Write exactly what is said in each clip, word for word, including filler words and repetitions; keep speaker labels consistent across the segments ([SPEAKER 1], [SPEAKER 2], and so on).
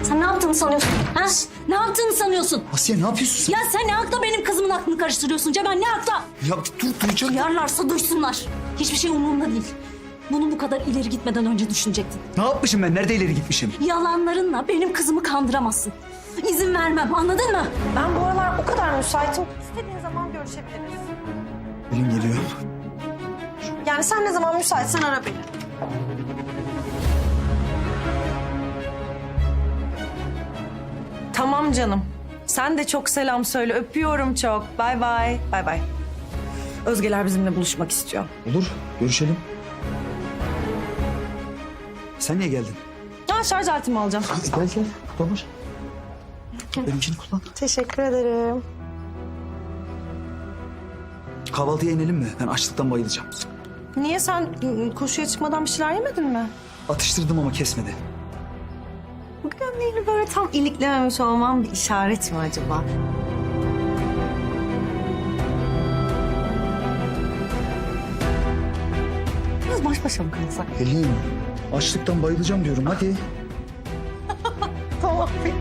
[SPEAKER 1] Sen ne yaptığını sanıyorsun? Ha? Ne yaptığını sanıyorsun?
[SPEAKER 2] Asiye ne yapıyorsun sen?
[SPEAKER 1] Ya sen ne hakla benim kızımın aklını karıştırıyorsun Cemal? Ne hakla?
[SPEAKER 2] Ya dur duyacağım.
[SPEAKER 1] Duyarlarsa duysunlar. Hiçbir şey umurumda değil. Bunu bu kadar ileri gitmeden önce düşünecektin.
[SPEAKER 2] Ne yapmışım ben? Nerede ileri gitmişim?
[SPEAKER 1] Yalanlarınla benim kızımı kandıramazsın. İzin vermem, anladın mı?
[SPEAKER 3] Ben bu aralar o kadar müsaitim. İstediğin zaman görüşebiliriz.
[SPEAKER 2] Elim geliyor.
[SPEAKER 3] Yani sen ne zaman müsaitsen ara beni. Tamam canım. Sen de çok selam söyle. Öpüyorum çok. Bay bay. Bay bay. Özgeler bizimle buluşmak istiyor.
[SPEAKER 2] Olur, görüşelim. Sen niye geldin?
[SPEAKER 3] Ha, şarj aletimi alacağım.
[SPEAKER 2] Gel gel, kullanır. Benimkini kullan.
[SPEAKER 3] Teşekkür ederim.
[SPEAKER 2] Kahvaltıya inelim mi? Ben açlıktan bayılacağım.
[SPEAKER 3] Niye sen ı, koşuya çıkmadan bir şeyler yemedin mi?
[SPEAKER 2] Atıştırdım ama kesmedi.
[SPEAKER 3] Bu gömleğini böyle tam iliklememiş olmam bir işaret mi acaba? Biraz baş başa mı kalsak?
[SPEAKER 2] Pelin, açlıktan bayılacağım diyorum. Hadi.
[SPEAKER 3] Tamam peki.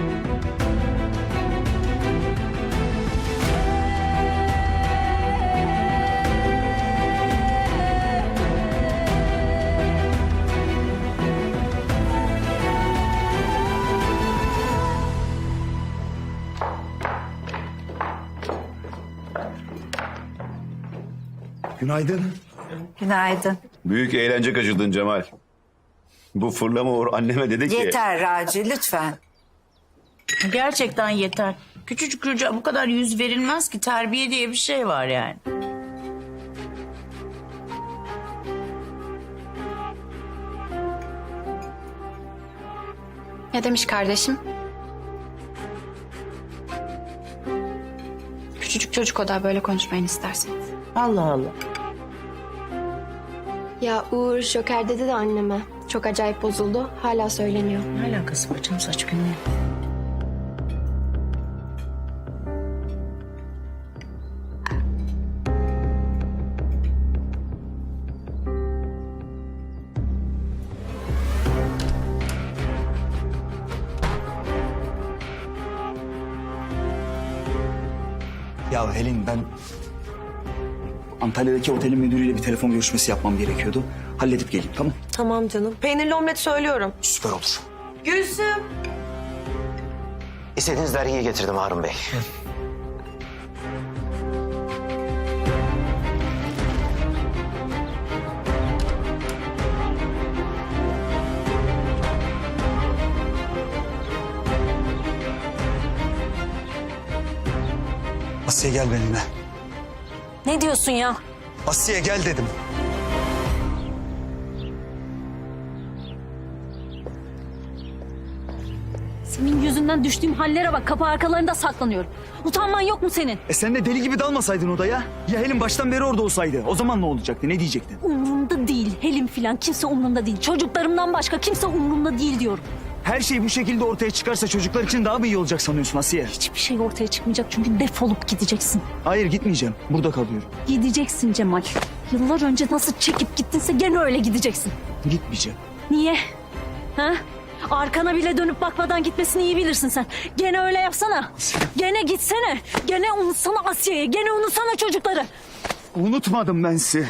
[SPEAKER 2] Günaydın.
[SPEAKER 4] Günaydın.
[SPEAKER 5] Büyük eğlence kaçırdın Cemal. Bu fırlama Uğur anneme dedi ki...
[SPEAKER 4] Yeter Raci lütfen.
[SPEAKER 6] Gerçekten yeter. Küçücük çocuğa bu kadar yüz verilmez ki, terbiye diye bir şey var yani.
[SPEAKER 7] Ne demiş kardeşim? Küçücük çocuk o da, böyle konuşmayın isterseniz.
[SPEAKER 6] Allah Allah.
[SPEAKER 8] Ya Uğur Joker dedi de anneme. Çok acayip bozuldu. Hala söyleniyor.
[SPEAKER 6] Ne alakası var canım, saç günlüğü?
[SPEAKER 2] Ya Helin, ben Antalya'daki otelin müdürüyle bir telefon görüşmesi yapmam gerekiyordu. Halledip geleyim, tamam?
[SPEAKER 3] Tamam canım. Peynirli omlet söylüyorum.
[SPEAKER 2] Süper olur.
[SPEAKER 3] Gülsüm.
[SPEAKER 9] İstediğiniz dergiyi getirdim Harun Bey.
[SPEAKER 2] Asiye gel benimle.
[SPEAKER 1] Ne diyorsun ya?
[SPEAKER 2] Asiye gel dedim.
[SPEAKER 1] Senin yüzünden düştüğüm hallere bak. Kapı arkalarında saklanıyorum. Utanman yok mu senin?
[SPEAKER 2] E sen de deli gibi dalmasaydın odaya. Ya Helin baştan beri orada olsaydı. O zaman ne olacaktı? Ne diyecektin?
[SPEAKER 1] Umrumda değil. Helim filan kimse umrumda değil. Çocuklarımdan başka kimse umrumda değil diyorum.
[SPEAKER 2] Her şey bu şekilde ortaya çıkarsa çocuklar için daha mı iyi olacak sanıyorsun Asiye?
[SPEAKER 1] Hiçbir şey ortaya çıkmayacak çünkü defolup gideceksin.
[SPEAKER 2] Hayır, gitmeyeceğim. Burada kalıyorum.
[SPEAKER 1] Gideceksin Cemal. Yıllar önce nasıl çekip gittinse gene öyle gideceksin.
[SPEAKER 2] Gitmeyeceğim.
[SPEAKER 1] Niye? Ha? Arkana bile dönüp bakmadan gitmesini iyi bilirsin sen. Gene öyle yapsana. Gene gitsene. Gene unutsana Asiye'yi. Gene unutsana çocukları.
[SPEAKER 2] Unutmadım ben sizi.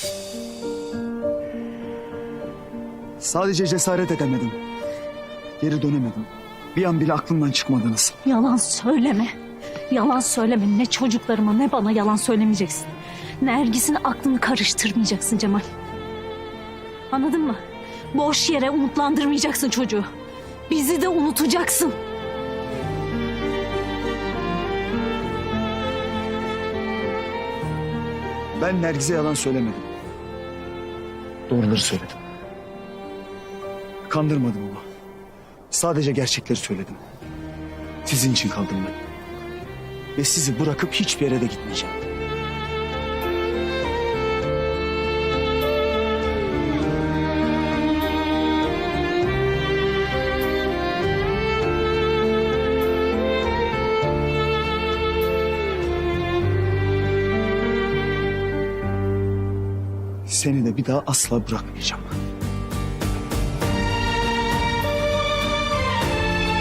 [SPEAKER 2] Sadece cesaret edemedim. Geri dönemedim. Bir an bile aklımdan çıkmadınız.
[SPEAKER 1] Yalan söyleme. Yalan söyleme. Ne çocuklarıma ne bana yalan söylemeyeceksin. Nergis'in aklını karıştırmayacaksın Cemal. Anladın mı? Boş yere umutlandırmayacaksın çocuğu. Bizi de unutacaksın.
[SPEAKER 2] Ben Nergis'e yalan söylemedim. Doğruları söyledim. Kandırmadım ama. Sadece gerçekleri söyledim. Sizin için kaldım ben. Ve sizi bırakıp hiçbir yere de gitmeyeceğim. Seni de bir daha asla bırakmayacağım.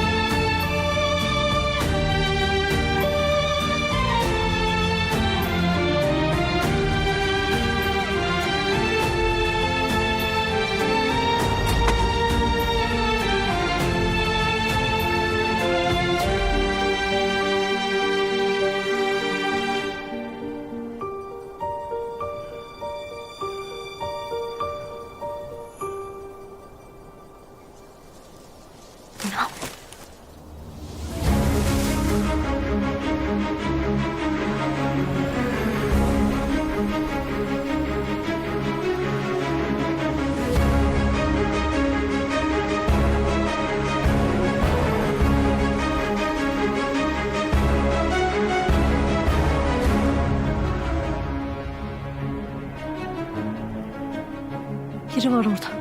[SPEAKER 1] Biri var orada.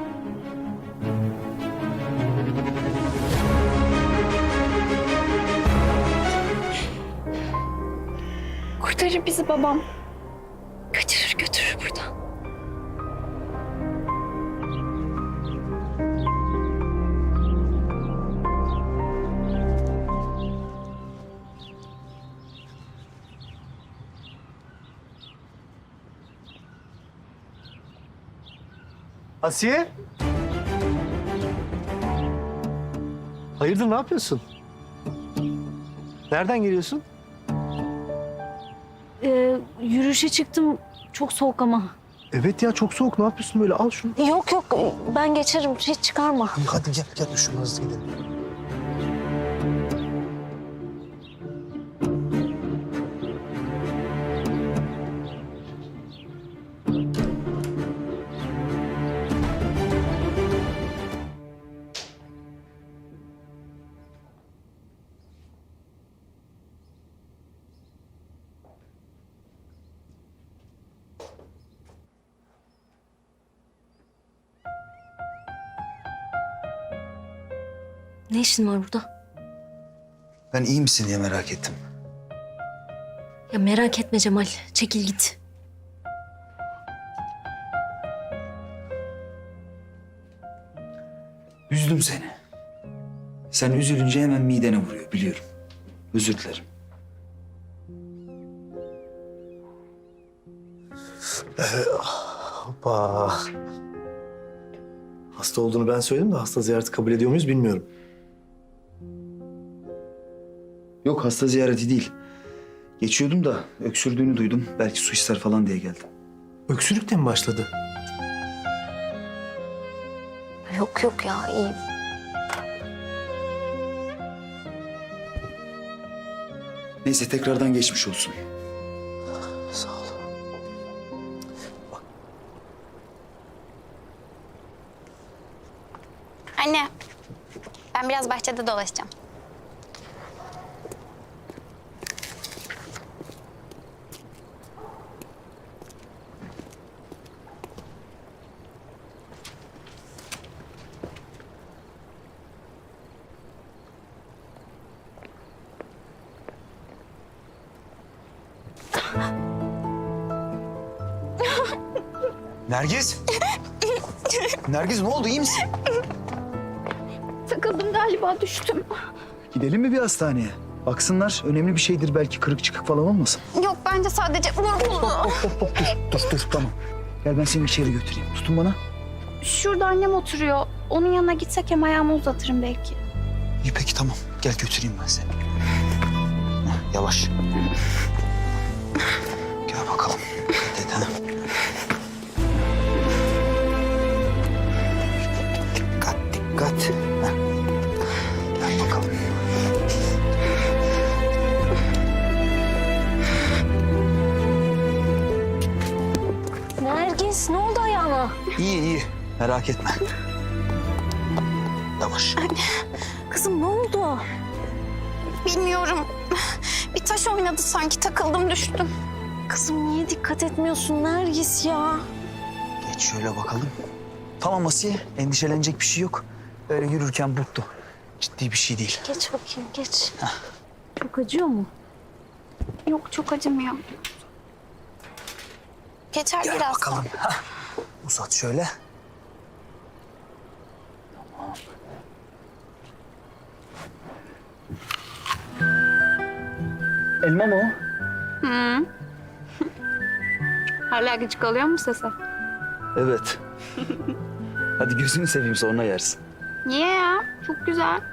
[SPEAKER 8] Kurtarır bizi babam. Kaçırır götürür buradan.
[SPEAKER 9] Asiye? Hayırdır, ne yapıyorsun? Nereden geliyorsun?
[SPEAKER 1] Ee, yürüyüşe çıktım. Çok soğuk ama.
[SPEAKER 9] Evet ya, çok soğuk. Ne yapıyorsun böyle? Al şunu.
[SPEAKER 1] Yok yok ben geçerim. Hiç çıkarma.
[SPEAKER 9] Hadi gel, gel şunu hızlı gidelim.
[SPEAKER 1] Ne işin var burada?
[SPEAKER 2] Ben iyi misin diye merak ettim.
[SPEAKER 1] Ya merak etme Cemal. Çekil git.
[SPEAKER 2] Üzdüm seni. Sen üzülünce hemen midene vuruyor, biliyorum. Özür dilerim.
[SPEAKER 9] Hoppa. Hasta olduğunu ben söyledim de hasta ziyareti kabul ediyor muyuz bilmiyorum.
[SPEAKER 2] Yok, hasta ziyareti değil. Geçiyordum da öksürdüğünü duydum. Belki su ister falan diye geldim.
[SPEAKER 9] Öksürük de mi başladı?
[SPEAKER 1] Yok yok ya iyiyim.
[SPEAKER 2] Neyse, tekrardan geçmiş olsun.
[SPEAKER 9] Sağ ol.
[SPEAKER 7] Anne, ben biraz bahçede dolaşacağım.
[SPEAKER 2] Nergiz? Nergiz, ne oldu, iyi misin?
[SPEAKER 8] Takıldım galiba, düştüm.
[SPEAKER 2] Gidelim mi bir hastaneye? Baksınlar, önemli bir şeydir, belki kırık çıkık falan olmasın.
[SPEAKER 7] Yok, bence sadece vuruldu.
[SPEAKER 2] Hop hop dur, dur dur tamam. Gel ben seni içeri götüreyim. Tutun bana.
[SPEAKER 8] Şurada annem oturuyor. Onun yanına gitsek hem ayağımı uzatırım belki.
[SPEAKER 2] İyi peki tamam. Gel götüreyim ben seni. Heh, yavaş. Gel bakalım. Dikkat et ha. Dikkat dikkat. Heh. Gel bakalım.
[SPEAKER 1] Nergis ne oldu ayağına?
[SPEAKER 2] İyi iyi. Merak etme. Yavaş.
[SPEAKER 1] Kızım ne oldu?
[SPEAKER 7] Bilmiyorum. Bir taş oynadı sanki, takıldım düştüm.
[SPEAKER 1] Kızım niye dikkat etmiyorsun Nergis ya?
[SPEAKER 2] Geç şöyle bakalım. Tamam Asiye. Endişelenecek bir şey yok. Öyle yürürken burktu. Ciddi bir şey değil.
[SPEAKER 1] Geç bakayım geç. Çok acıyor mu?
[SPEAKER 8] Yok, çok acımıyor.
[SPEAKER 7] Geçer
[SPEAKER 2] Gel
[SPEAKER 7] biraz.
[SPEAKER 2] bakalım. Hah. Uzat şöyle. Elma mı o?
[SPEAKER 8] Hala gıcık oluyor mu sese?
[SPEAKER 2] Evet. Hadi gözünü seveyim, sonra yersin.
[SPEAKER 8] Niye ya? Çok güzel.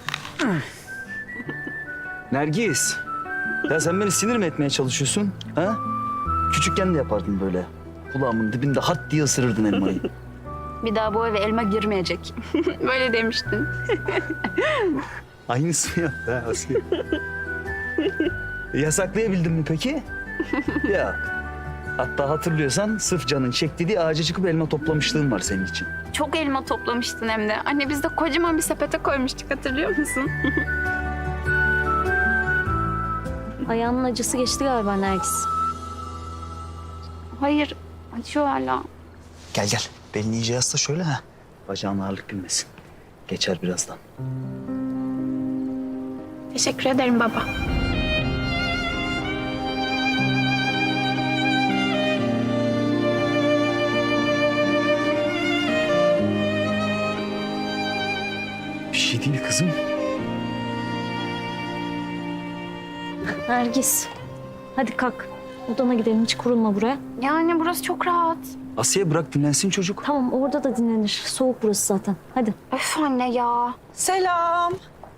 [SPEAKER 2] Nergis. Ya sen beni sinir mi etmeye çalışıyorsun? Ha? Küçükken de yapardın böyle. Kulağımın dibinde hat diye ısırırdın elmayı.
[SPEAKER 8] Bir daha bu eve elma girmeyecek. Böyle demiştin.
[SPEAKER 2] Aynısını yaptı ha Asiye. Yasaklayabildin mi peki? Yok. Hatta hatırlıyorsan sırf canın çekti diye ağaca çıkıp elma toplamışlığın var senin için.
[SPEAKER 8] Çok elma toplamıştın hem de. Anne biz de kocaman bir sepete koymuştuk, hatırlıyor musun?
[SPEAKER 1] Ayağının acısı geçti galiba Nergis.
[SPEAKER 8] Hayır, acıyor hala.
[SPEAKER 2] Gel gel. Belini iyice yasla şöyle ha. Bacağın ağırlık bilmesin. Geçer birazdan.
[SPEAKER 8] Teşekkür ederim baba.
[SPEAKER 2] Bir şey değil kızım.
[SPEAKER 1] Nergis. Hadi kalk. Odana gidelim, hiç kurulma buraya.
[SPEAKER 8] Yani burası çok rahat.
[SPEAKER 2] Asiye bırak dinlensin çocuk.
[SPEAKER 1] Tamam, orada da dinlenir. Soğuk burası zaten. Hadi.
[SPEAKER 8] Öf anne ya.
[SPEAKER 3] Selam.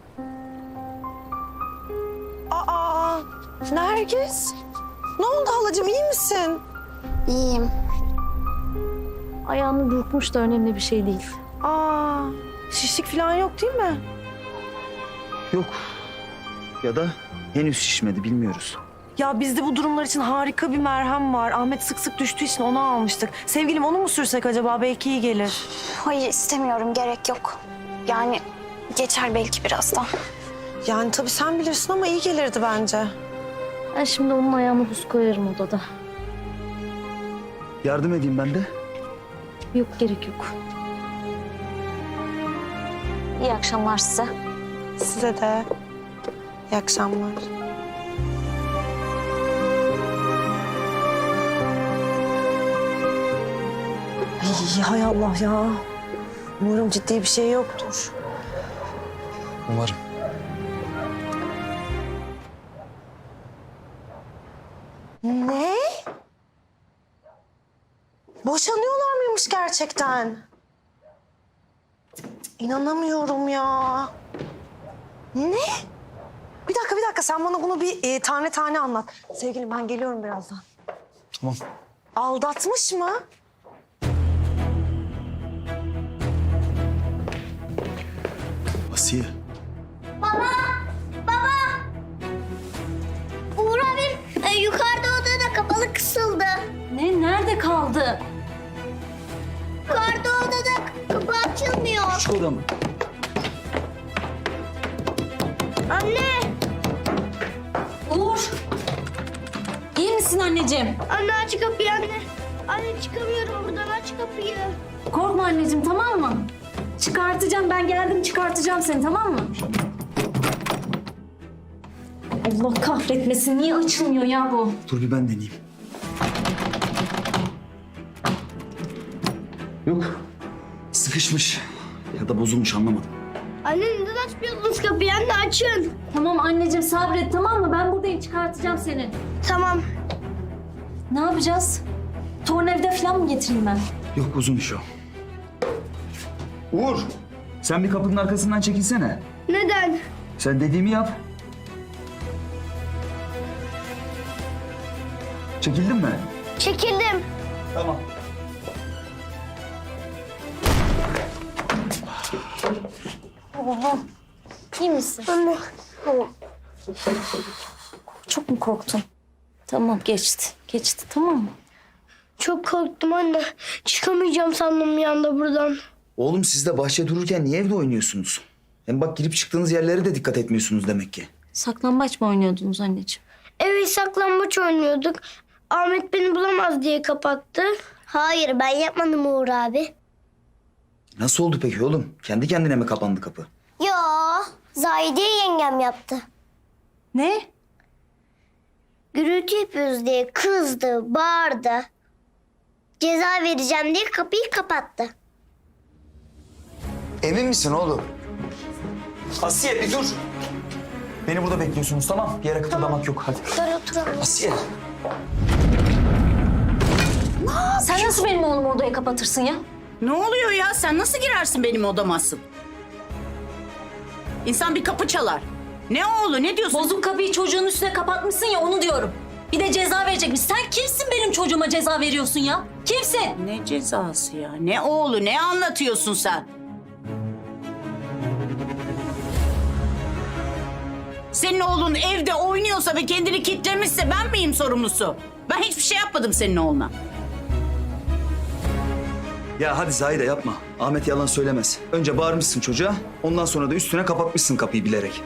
[SPEAKER 3] Aa, Nergis. Ne oldu halacığım, iyi misin?
[SPEAKER 7] İyiyim.
[SPEAKER 1] Ayağını burkmuş da önemli bir şey değil.
[SPEAKER 3] Aa, şişlik falan yok değil mi?
[SPEAKER 2] Yok. Ya da henüz şişmedi bilmiyoruz.
[SPEAKER 3] Ya bizde bu durumlar için harika bir merhem var. Ahmet sık sık düştüğü için onu almıştık. Sevgilim onu mu sürsek acaba? Belki iyi gelir.
[SPEAKER 7] Hayır istemiyorum, gerek yok. Yani geçer belki birazdan.
[SPEAKER 3] Yani tabii sen bilirsin ama iyi gelirdi bence.
[SPEAKER 1] Ben şimdi onun ayağına buz koyarım odada.
[SPEAKER 2] Yardım edeyim ben de.
[SPEAKER 1] Yok, gerek yok. İyi akşamlar size.
[SPEAKER 3] Size de. İyi akşamlar. Ay, hay Allah ya. Umarım ciddi bir şey yoktur.
[SPEAKER 2] Umarım.
[SPEAKER 3] Ne? Boşanıyorlar mıymış gerçekten? İnanamıyorum ya. Ne? Bir dakika bir dakika sen bana bunu bir e, tane tane anlat. Sevgilim ben geliyorum birazdan.
[SPEAKER 2] Tamam.
[SPEAKER 3] Aldatmış mı?
[SPEAKER 2] Asiye.
[SPEAKER 7] Uğur abim e, yukarıda odada kapalı kısıldı.
[SPEAKER 1] Ne? Nerede kaldı?
[SPEAKER 7] Yukarıda odada kapı açılmıyor.
[SPEAKER 2] Şu oda mı?
[SPEAKER 7] Anne!
[SPEAKER 1] Uğur! İyi misin anneciğim?
[SPEAKER 7] Anne aç kapıyı anne. Anne çıkamıyorum buradan, aç kapıyı.
[SPEAKER 1] Korkma anneciğim, tamam mı? Çıkartacağım, ben geldim çıkartacağım seni, tamam mı? Allah kahretmesin, niye açılmıyor ya bu?
[SPEAKER 2] Dur bir ben deneyeyim. Yok. Sıkışmış. Ya da bozulmuş anlamadım.
[SPEAKER 7] Anne neden açmıyorsunuz kapıyı anne, açın.
[SPEAKER 1] Tamam anneciğim, sabret, tamam mı? Ben buradayım, çıkartacağım seni.
[SPEAKER 7] Tamam.
[SPEAKER 1] Ne yapacağız? Tornavida falan mı getireyim ben?
[SPEAKER 2] Yok uzun iş o. Uğur. Sen bir kapının arkasından çekilsene.
[SPEAKER 7] Neden?
[SPEAKER 2] Sen dediğimi yap. Çekildin mi?
[SPEAKER 7] Çekildim.
[SPEAKER 2] Tamam.
[SPEAKER 1] İyi misin?
[SPEAKER 7] Anne.
[SPEAKER 1] Çok mu korktun? Tamam, geçti. Geçti, tamam mı?
[SPEAKER 7] Çok korktum anne. Çıkamayacağım sandım bir anda buradan.
[SPEAKER 2] Oğlum siz de bahçe dururken niye evde oynuyorsunuz? Hem bak girip çıktığınız yerlere de dikkat etmiyorsunuz demek ki.
[SPEAKER 1] Saklambaç mı oynuyordunuz anneciğim?
[SPEAKER 7] Evet saklambaç oynuyorduk. Ahmet beni bulamaz diye kapattı. Hayır ben yapmadım Uğur abi.
[SPEAKER 2] Nasıl oldu peki oğlum? Kendi kendine mi kapandı kapı?
[SPEAKER 7] Yo, Zahide yengem yaptı.
[SPEAKER 1] Ne?
[SPEAKER 7] Gürültü yapıyoruz diye kızdı, bağırdı. Ceza vereceğim diye kapıyı kapattı.
[SPEAKER 2] Emin misin oğlum? Asiye bir dur. Beni burada bekliyorsunuz tamam? Bir yere kıpırdamak yok hadi.
[SPEAKER 7] Dur oturalım.
[SPEAKER 2] Asiye.
[SPEAKER 1] Sen nasıl benim oğlumu odaya kapatırsın ya?
[SPEAKER 6] Ne oluyor ya? Sen nasıl girersin benim odama asıl? İnsan bir kapı çalar. Ne oğlu ne diyorsun?
[SPEAKER 1] Bozuk kapıyı çocuğun üstüne kapatmışsın ya, onu diyorum. Bir de ceza verecekmiş. Sen kimsin benim çocuğuma ceza veriyorsun ya? Kimsin?
[SPEAKER 6] Ne cezası ya? Ne oğlu ne anlatıyorsun sen? Senin oğlun evde oynuyorsa ve kendini kitlemişse ben miyim sorumlusu? Ben hiçbir şey yapmadım senin oğluna.
[SPEAKER 2] Ya hadi Zahide yapma. Ahmet yalan söylemez. Önce bağırmışsın çocuğa. Ondan sonra da üstüne kapatmışsın kapıyı bilerek.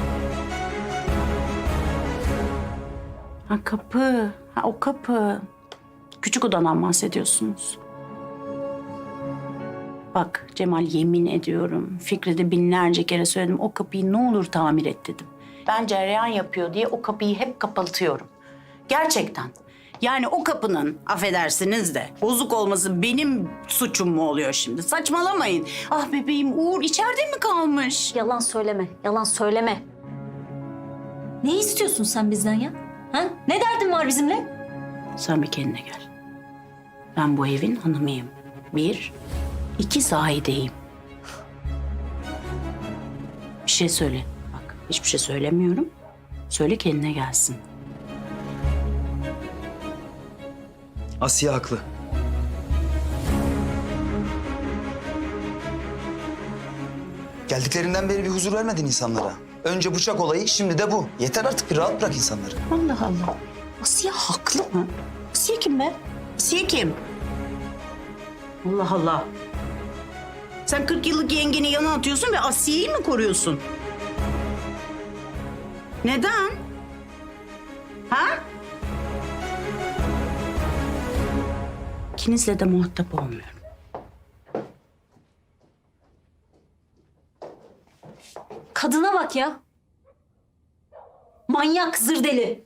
[SPEAKER 6] Ha kapı. Ha o kapı. Küçük odadan bahsediyorsunuz. Bak Cemal, yemin ediyorum Fikret'e binlerce kere söyledim, o kapıyı ne olur tamir et dedim. Ben cereyan yapıyor diye o kapıyı hep kapatıyorum. Gerçekten. Yani o kapının, affedersiniz de, bozuk olması benim suçum mu oluyor şimdi? Saçmalamayın. Ah bebeğim, Uğur içeride mi kalmış?
[SPEAKER 1] Yalan söyleme, yalan söyleme. Ne istiyorsun sen bizden ya? Ha? Ne derdin var bizimle?
[SPEAKER 6] Sen bir kendine gel. Ben bu evin hanımıyım. Bir, iki Zahide'yim. Bir şey söyle. Bak hiçbir şey söylemiyorum. Söyle kendine gelsin.
[SPEAKER 2] Asiye haklı. Geldiklerinden beri bir huzur vermedin insanlara. Önce bıçak olayı, şimdi de bu. Yeter artık, bir rahat bırak insanları.
[SPEAKER 6] Allah Allah. Asiye haklı mı? Asiye kim be? Asiye kim? Allah Allah. Sen kırk yıllık yengeni yana atıyorsun ve Asiye'yi mi koruyorsun? Neden? Ha? İkinizle de muhatap olmuyorum.
[SPEAKER 1] Kadına bak ya. Manyak, zırdeli.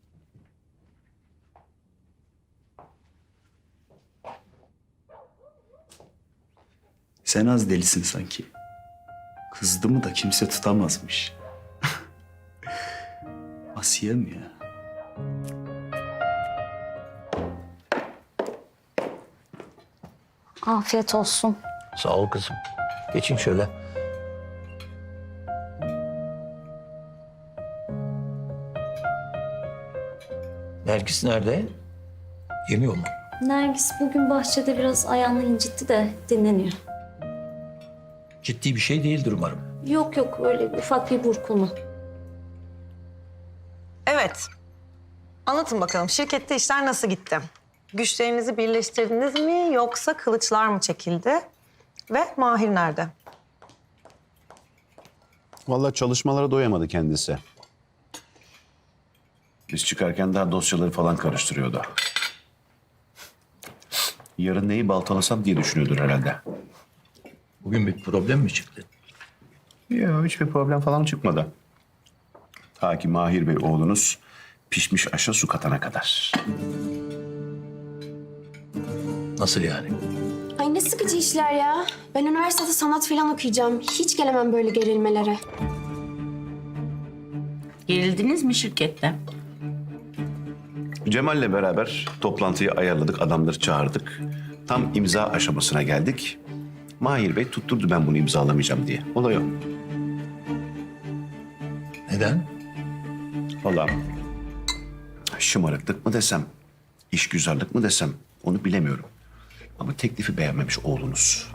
[SPEAKER 2] Sen az delisin sanki. Kızdı mı da kimse tutamazmış. Asiye mi ya?
[SPEAKER 1] Afiyet olsun.
[SPEAKER 10] Sağ ol kızım. Geçin şöyle. Nergis nerede? Yemiyor mu?
[SPEAKER 1] Nergis bugün bahçede biraz ayağını incitti de dinleniyor.
[SPEAKER 10] Ciddi bir şey değildir umarım.
[SPEAKER 1] Yok yok, öyle bir ufak bir burkulma.
[SPEAKER 3] Evet. Anlatın bakalım, şirkette işler nasıl gitti? Güçlerinizi birleştirdiniz mi yoksa kılıçlar mı çekildi? Ve Mahir nerede?
[SPEAKER 5] Vallahi çalışmalara doyamadı kendisi. Biz çıkarken daha dosyaları falan karıştırıyordu. Yarın neyi baltalasam diye düşünüyordur herhalde.
[SPEAKER 10] Bugün bir problem mi çıktı?
[SPEAKER 5] Yok, hiçbir problem falan çıkmadı. Ta ki Mahir Bey oğlunuz pişmiş aşa su katana kadar.
[SPEAKER 10] Nasıl yani?
[SPEAKER 8] Ay ne sıkıcı işler ya. Ben üniversitede sanat falan okuyacağım. Hiç gelemem böyle gerilmelere.
[SPEAKER 6] Gerildiniz mi şirkette?
[SPEAKER 5] Cemal'le beraber toplantıyı ayarladık, adamları çağırdık. Tam imza aşamasına geldik. Mahir Bey tutturdu ben bunu imzalamayacağım diye. Olay o.
[SPEAKER 10] Neden?
[SPEAKER 5] Vallahi şımarıklık mı desem, işgüzarlık mı desem onu bilemiyorum. Ama teklifi beğenmemiş oğlunuz.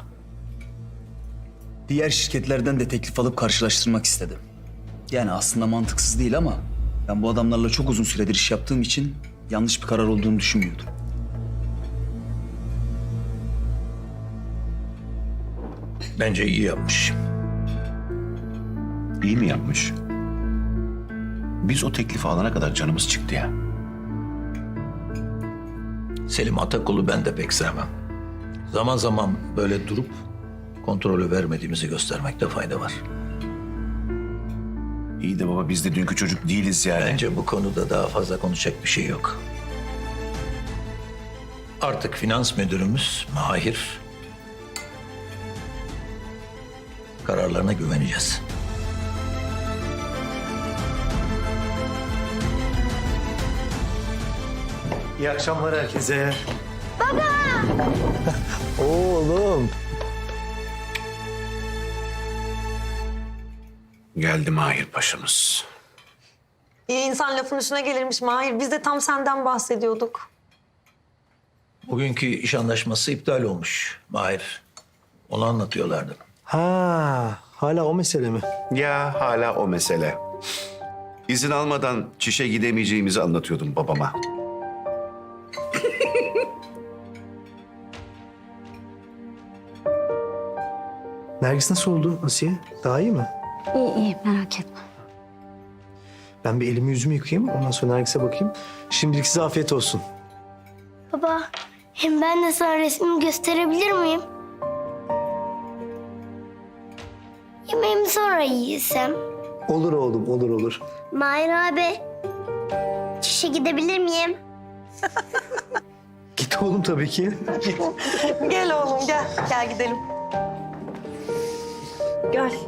[SPEAKER 2] Diğer şirketlerden de teklif alıp karşılaştırmak istedim. Yani aslında mantıksız değil ama ben bu adamlarla çok uzun süredir iş yaptığım için yanlış bir karar olduğunu düşünmüyordum.
[SPEAKER 10] Bence iyi yapmış.
[SPEAKER 5] İyi mi yapmış? Biz o teklifi alana kadar canımız çıktı ya.
[SPEAKER 10] Selim Atakul'u ben de pek sevmem. Zaman zaman böyle durup kontrolü vermediğimizi göstermekte fayda var.
[SPEAKER 5] İyi de baba biz de dünkü çocuk değiliz yani.
[SPEAKER 10] Bence bu konuda daha fazla konuşacak bir şey yok. Artık finans müdürümüz Mahir. Kararlarına güveneceğiz.
[SPEAKER 9] İyi akşamlar herkese. Baba! Oğlum.
[SPEAKER 5] Geldi Mahir Paşa'mız.
[SPEAKER 3] İyi insan lafın üstüne gelirmiş Mahir. Biz de tam senden bahsediyorduk.
[SPEAKER 10] Bugünkü iş anlaşması iptal olmuş Mahir. Onu anlatıyorlardı.
[SPEAKER 9] Ha, hala o mesele mi?
[SPEAKER 5] Ya hala o mesele. İzin almadan çişe gidemeyeceğimizi anlatıyordum babama.
[SPEAKER 9] Nergis nasıl oldu Asiye? Daha iyi mi?
[SPEAKER 1] İyi iyi, merak etme.
[SPEAKER 9] Ben bir elimi yüzümü yıkayayım, ondan sonra Nergis'e bakayım. Şimdilik size afiyet olsun.
[SPEAKER 7] Baba, hem ben de sana resmimi gösterebilir miyim? Yemeğimi sonra yiysem.
[SPEAKER 9] Olur oğlum, olur olur.
[SPEAKER 7] Mahir abi. Çişe gidebilir miyim?
[SPEAKER 9] Git oğlum tabii ki.
[SPEAKER 3] Gel oğlum gel. Gel gidelim. Gel.